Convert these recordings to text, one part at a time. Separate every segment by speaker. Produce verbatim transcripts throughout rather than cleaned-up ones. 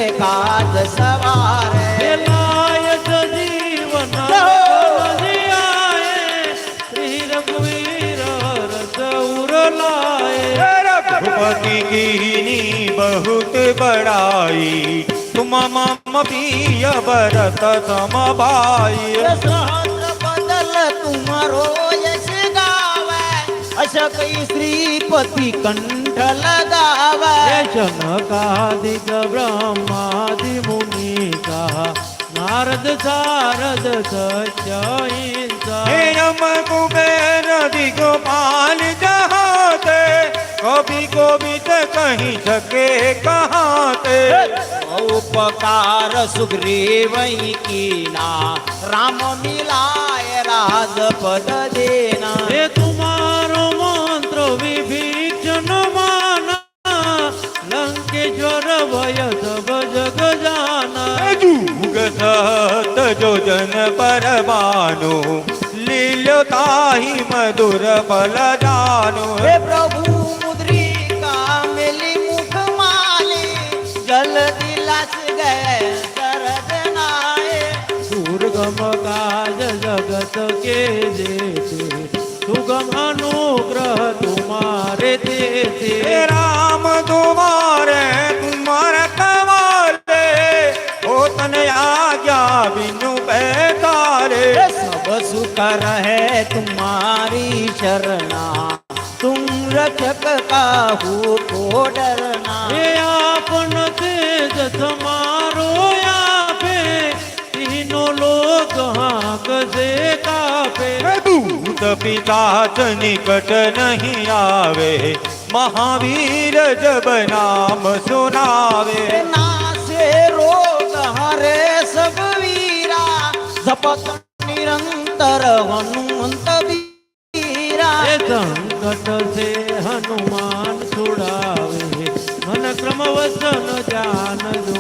Speaker 1: काज सवारे
Speaker 2: लायत जीवन श्री रघुवीर रस उरलाए।
Speaker 3: रघुपति कीनी बहुत बड़ाई तुम मम प्रिय भरत सम भाई।
Speaker 1: सहस्र बदल तुम्हारो यश गावे अश कई श्रीपति कंठ लगावे।
Speaker 2: जनकादिक ब्रह्मादि मुनीसा नारद सारद सत्य हिंसा।
Speaker 3: हे यम कुबेर दिगपाल जहाते कभी कोविद कहीं सके कहाते।
Speaker 1: उपकार सुग्रीव कीना राम मिलाए राजपद देना।
Speaker 2: हे तुम्हारो मंत्र विभीषण माना लंकेश्वर भय सब जग जाना।
Speaker 3: जुग सत जो जन पर बानो लील्यो ताहि मधुर बल जानो।
Speaker 1: हे प्रभु मुद्रिका मिली मुख माली जल दिलास गए शरद नाये।
Speaker 2: दुर्गम काज जगत के देते सुगम अनुग्रह तुम्हारे देते।
Speaker 3: हे राम तुम्हारे तुम्हारे कवाले हो तन आज्ञा बिनु पैतारे।
Speaker 1: सब सुख है तुम्हारी शरणा तुम रक्षक काहू को डरना।
Speaker 2: हे आपन तेज समारो यापे तीनों लोग हाँक से कापे।
Speaker 3: दूत पिशाच निकट नहीं आवे महावीर जब नाम सुनावे।
Speaker 1: नासे रोग हरे सब वीरा जपत निरंतर हनुमंत वीरा।
Speaker 2: संकट से हनुमान छुड़ावे मन क्रम वचन जान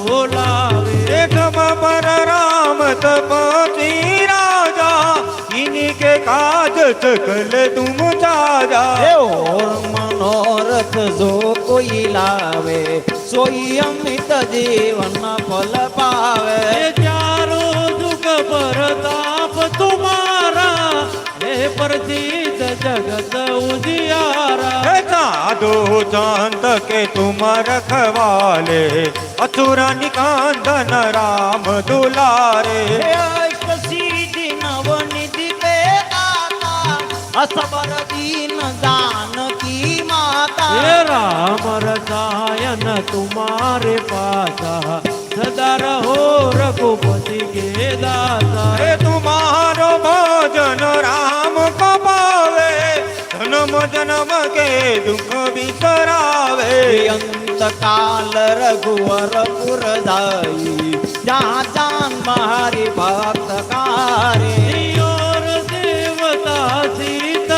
Speaker 2: डोलावे।
Speaker 3: एकम पर राम तपति राजा इनके काज सकल तुम साजा।
Speaker 1: और मनोरथ जो कोई लावे सोई अमित जीवन फल पावे।
Speaker 2: चारों जुग परताप तुम्हारा हे प्रसिद्ध जगत उजियारा।
Speaker 3: साधु चांद के तुम रखवाले असुर निकांदन राम दुलारे।
Speaker 1: अष्ट सिद्धि नवनिधि पे दाता असबर दीन जानकी माता।
Speaker 2: हे राम रसायन तुम्हारे पासा सदा रहो रघुपति के दासा।
Speaker 3: हे तुम्हारो भजन राम को पावे जन्म जन्म के दुख बिसरावे।
Speaker 1: अंत काल रघुवर पुर जाई जहाँ जान मारी भक्त कारी।
Speaker 2: और देवता सीता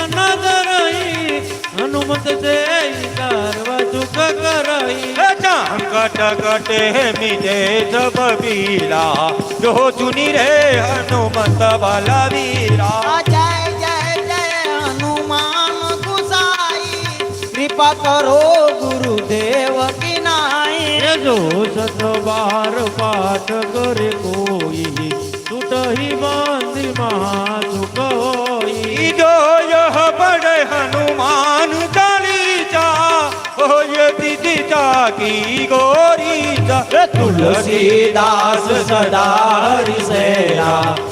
Speaker 2: नजरई हनुमत से सर्व दुख करई।
Speaker 3: संकट कटे मिटे सब पीरा जो चुनी रे हनुमत बलवीरा।
Speaker 1: जय जय जय हनुमान गुसाई कृपा करो गुरुदेव की नाई।
Speaker 2: जो सत बार पाठ करे कोई टूट ही बांधि महासुख होई।
Speaker 3: जो यह बड़े हनुमान चालीसा हो ये दिशा की गोरीसा।
Speaker 1: तुलसीदास सदा हरिसेरा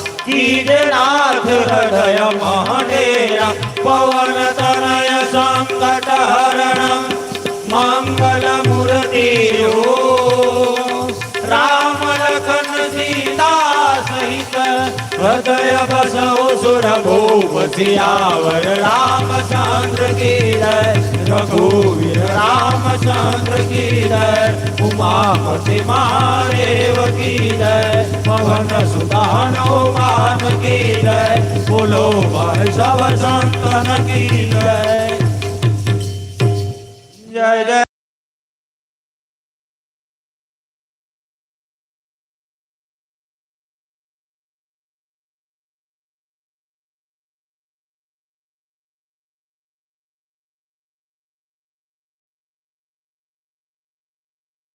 Speaker 1: कीजनाथ हृदय महडेरा। पवन तनय संकट हरण मंगल मूर्ति राम लखन सीता सहित हृदय बसो सुर भूप सियावर रामचंद्र की जय। रघुवीर रामचंद्र की जय। उमापति महादेव की जय। पवन सुत हनुमान की जय। बोलो भाई सब संतन की जय।
Speaker 3: जय जय